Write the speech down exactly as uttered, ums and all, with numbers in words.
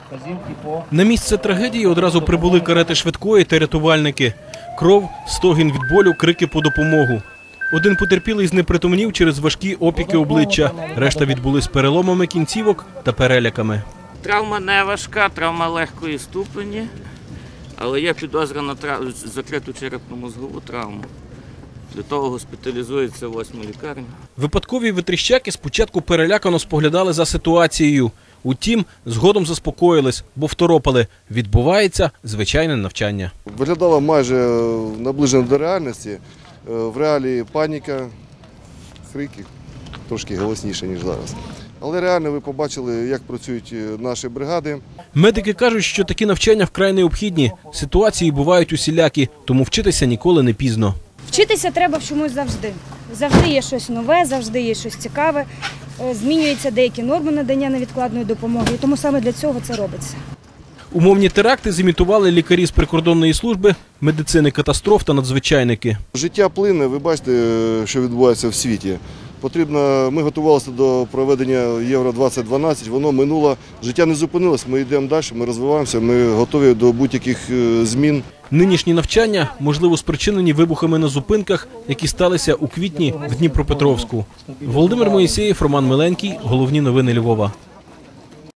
На місце трагедії одразу прибули карети швидкої та рятувальники. Кров, стогін від болю, крики по допомогу. Один потерпілий знепритомнів через важкі опіки обличчя. Решта відбулись переломами кінцівок та переляками. Травма не важка, травма легкої ступені, але є підозра на трав... закриту черепно-мозгову травму. Для того госпіталізується в восьму лікарню. Випадкові витріщаки спочатку перелякано споглядали за ситуацією. Утім, згодом заспокоїлись, бо второпали. Відбувається звичайне навчання. Виглядало майже наближено до реальності. В реалії паніка, крики трошки голосніше, ніж зараз. Але реально ви побачили, як працюють наші бригади. Медики кажуть, що такі навчання вкрай необхідні. Ситуації бувають усілякі, тому вчитися ніколи не пізно. Вчитися треба в чомусь завжди. Завжди є щось нове, завжди є щось цікаве. Змінюються деякі норми надання невідкладної допомоги, і тому саме для цього це робиться. Умовні теракти зімітували лікарі з прикордонної служби, медицини катастроф та надзвичайники. Життя плине, ви бачите, що відбувається в світі. Потрібно, ми готувалися до проведення Євро двадцять дванадцять, воно минуло, життя не зупинилось, ми йдемо далі, ми розвиваємося, ми готові до будь-яких змін. Нинішні навчання, можливо, спричинені вибухами на зупинках, які сталися у квітні в Дніпропетровську. Володимир Моїсеєв, Роман Миленький. Головні новини Львова.